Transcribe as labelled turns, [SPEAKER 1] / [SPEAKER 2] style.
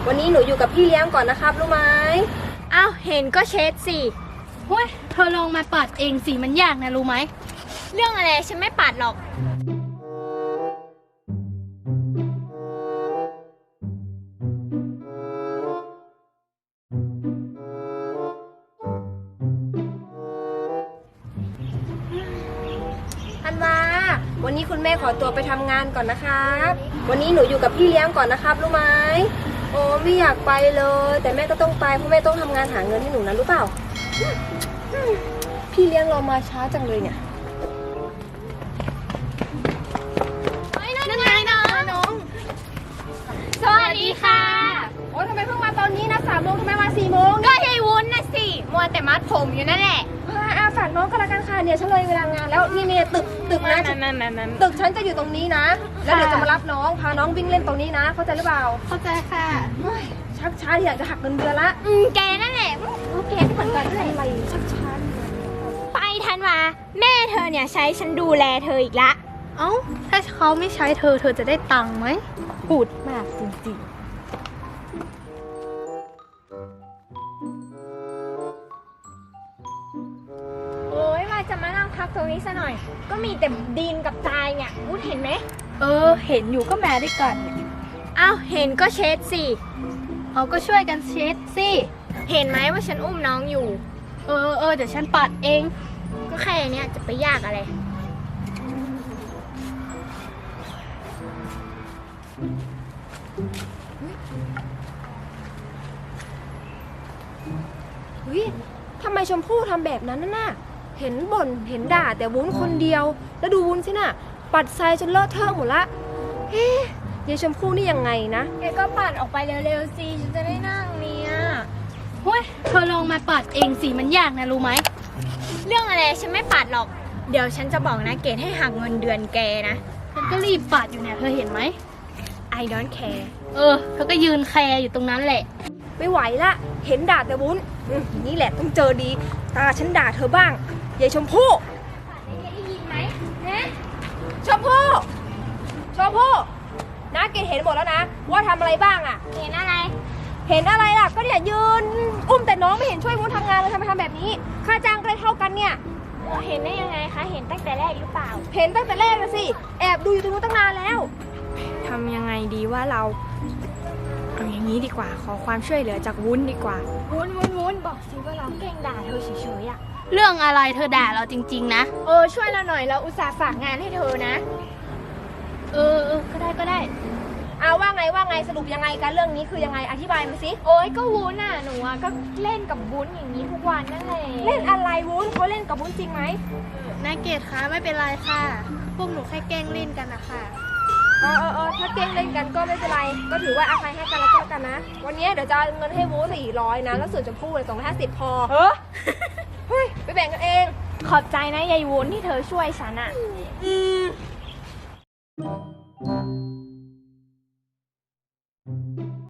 [SPEAKER 1] วันนี้หนูอยู่กับพี่เลี้ยงก่อนนะครับรู้ไหม
[SPEAKER 2] อ้าวเห็นก็เช็ดสิ
[SPEAKER 3] เฮ้ยเธอลองมาปัดเองสิมันยากนะรู้ไหม
[SPEAKER 2] เรื่องอะไรฉันไม่ปัดหรอก
[SPEAKER 1] ธันวาวันนี้คุณแม่ขอตัวไปทำงานก่อนนะครับวันนี้หนูอยู่กับพี่เลี้ยงก่อนนะครับรู้ไหมโอ้ไม่อยากไปเลยแต่แม่ก็ต้องไปเพราะแม่ต้องทำงานหาเงินให้หนูนะรู้เปล่าพี่เลี้ยงเรามาช้าจังเลยเนี่ย
[SPEAKER 2] นั่นไงน้องสวัสดีค่ะ
[SPEAKER 1] โอ้ทำไมเพิ่งมาตอนนี้นะ3 โมงทำไมมา4 โมง
[SPEAKER 2] ก็ยายวุ้นนะสิมัวแต่มัดผมอยู่นั่นแหละ
[SPEAKER 1] ฝากน้องก็แล้วกันค่ะเนี่ยฉันเลยเวลางานแล้วนี่ตึกนะตึกฉันจะอยู่ตรงนี้นะแล้วเดี๋ยวจะมารับน้องพาน้องวิ่งเล่นตรงนี้นะเข้าใจหรือเปล่า
[SPEAKER 3] เข้าใจค่ะ
[SPEAKER 1] ชักช้าที่อยากจะหักเงินเดือนละ
[SPEAKER 2] แกนั่นแหละแกเหมือนกัน
[SPEAKER 1] อะไรชักช้า
[SPEAKER 2] ไปธันวาแม่เธอเนี่ยใช้ฉันดูแลเธออีกละ
[SPEAKER 3] เอ้าถ้าเขาไม่ใช้เธอจะได้ตังค์ไหม
[SPEAKER 1] พูดมากจริงๆ
[SPEAKER 2] โอ้ยว่าจะมานั่งพักตรงนี้ซะหน่อยก็มีแต่ดินกับทรายเนี่ยวุ้นเห็นไหม
[SPEAKER 3] เห็นอยู่ก็แม่ด้วยกัน
[SPEAKER 2] อ้าวเห็นก็เช็ดสิ
[SPEAKER 3] เขาก็ช่วยกันเช็ดสิ
[SPEAKER 2] เห็นไหมว่าฉันอุ้มน้องอยู่
[SPEAKER 3] เดี๋ยวฉันปัดเอง
[SPEAKER 2] ก็แค่เนี้ยจะไปยากอะไร
[SPEAKER 1] เฮ้ยทำไมชมพู่ทำแบบนั้นน่ะเห็นบ่นเห็นด่าแต่วุ้นคนเดียวแล้วดูวุ้นสิน่ะปัดทรายจนเลอะเทอะหมดละเฮ้ยยายชมพู่นี่ยังไงนะ
[SPEAKER 2] แกก็ปัดออกไปเร็วๆสิฉันจะได้นั่งเนี่ย
[SPEAKER 3] เฮ้ยเธอลองมาปัดเองสิมันยากนะรู้ไหม
[SPEAKER 2] เรื่องอะไรฉันไม่ปัดหรอกเดี๋ยวฉันจะบอกนะเกดให้หักเงินเดือนแกนะ
[SPEAKER 3] ฉันก็รีบปัดอยู่เนี่ยเธอเห็นไหม
[SPEAKER 2] I don't care
[SPEAKER 3] เธอก็ยืนแคร์อยู่ตรงนั้นแหละ
[SPEAKER 1] ไม่ไหวละเห็นด่าแต่วุ้นนี่แหละต้องเจอดีตาฉันด่าเธอบ้างยายชมพู่
[SPEAKER 2] ได้ยินไหม
[SPEAKER 1] ชมพู่นะเกดเห็นหมดแล้วนะว่าทำอะไรบ้างอ่ะ
[SPEAKER 2] เห็นอะไร
[SPEAKER 1] ล่ะก็เนี่ยยืนอุ้มแต่น้องไม่เห็นช่วยวุ้นทำงานเลยทำไมทำแบบนี้ค่าจ้างก็ได้เท่ากันเนี่ย
[SPEAKER 2] เห็นได้ยังไงคะเห็นตั้งแต่แรกหรือเปล่า
[SPEAKER 1] เห็นตั้งแต่แรกนะสิแอบดูอยู่ตรงนู้นตั้งนานแล้ว
[SPEAKER 2] ทำยังไงดีว่าเราเอาอย่างนี้ดีกว่าขอความช่วยเหลือจากวุ้นดีกว่าวุ้นบอกสิว่าเราแกล้งด่าเธอเฉยๆอะ
[SPEAKER 3] เรื่องอะไรเธอด่าเราจริงๆนะ
[SPEAKER 2] ช่วยเราหน่อยเราอุตส่าห์ฝากงานให้เธอนะ
[SPEAKER 3] ก็ได้
[SPEAKER 1] เอาว่าไงสรุปยังไงกันเรื่องนี้คือยังไงอธิบายมาสิ
[SPEAKER 2] โอ้ยก็วุ้นอ่ะหนูก็เล่นกับวุ้นอย่างนี้ทุกวันนั่นแหละ
[SPEAKER 1] เล่นอะไรวุ้นเขาเล่นกับวุ้นจริงไหม
[SPEAKER 3] นายเกดคะไม่เป็นไรค่ะพวกหนูแค่แกล้งเล่นกันนะคะ
[SPEAKER 1] ถ้าแกล้งเล่นกันก็ไม่เป็นไรก็ถือว่าอภัยให้กันแล้วกันนะวันนี้เดี๋ยวจะเงินให้วุ้น400นะแล้วส่วนชมพู่เลย250พอเฮ้ยไปแบ่งกันเอง
[SPEAKER 2] ขอบใจนะยายวุ้นที่เธอช่วยฉันอ่ะ